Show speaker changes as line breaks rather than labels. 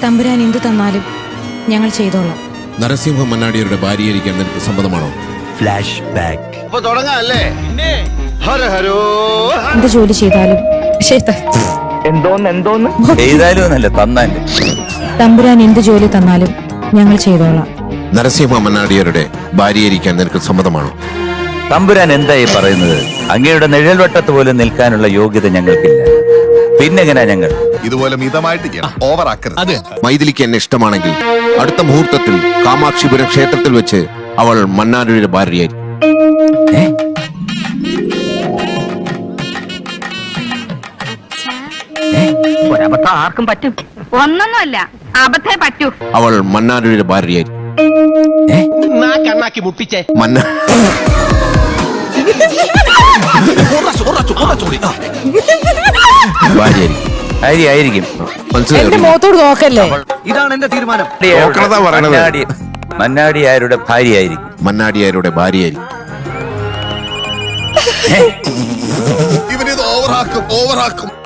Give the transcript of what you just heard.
തമ്പുരാൻ എന്തു തന്നാലും ഞങ്ങൾ ചെയ്തോളാം.
നരസിംഹ മന്നാടിയരുടെ ഭാര്യയായിരിക്കാൻ നിനക്ക് സമ്മതമാണോ?
Flash back.
എന്ത് ജോലി ചെയ്താലും
എന്തോന്ന് ചെയ്താലും എന്നല്ല തന്നാലും.
തമ്പുരാൻ എന്ത് ജോലി തന്നാലും ഞങ്ങൾ ചെയ്തോളാം.
നരസിംഹ മന്നാടിയരുടെ ഭാര്യയായിരിക്കാൻ നിനക്ക് സമ്മതമാണോ?
തമ്പുരാൻ എന്തായി പറയുന്നത്? അങ്ങയുടെ നിഴൽവട്ടത്ത് പോലും നിൽക്കാനുള്ള യോഗ്യത ഞങ്ങൾക്കില്ല. പിന്നെങ്ങനാ ഞങ്ങൾ?
ഇതുപോലെ മിതമായിട്ട് ഓവറാക്കരുത്.
മൈഥിലിക്ക് എന്നെ ഇഷ്ടമാണെങ്കിൽ അടുത്ത മുഹൂർത്തത്തിൽ കാമാക്ഷിപുരം ക്ഷേത്രത്തിൽ വെച്ച് അവൾ മന്നാടിയുടെ ഭാര്യയായിരിക്കും.
ഒരബദ്ധം ആർക്കും പറ്റും. ഒന്നൊന്നുമല്ല, അബദ്ധേ പറ്റൂ.
അവൾ മന്നാടിയുടെ ഭാര്യയായിരിക്കും.
ആയിരിക്കും.
എന്റെ മുഖത്തോട് നോക്കല്ലേ.
ഇതാണ് എന്റെ തീരുമാനം.
പറയണത്.
മന്നാടി ആരുടെ ഭാര്യയായിരിക്കും?
മന്നാടിയാരുടെ ഭാര്യയായിരിക്കും.
ഇവനിത് ഓവറാക്കും.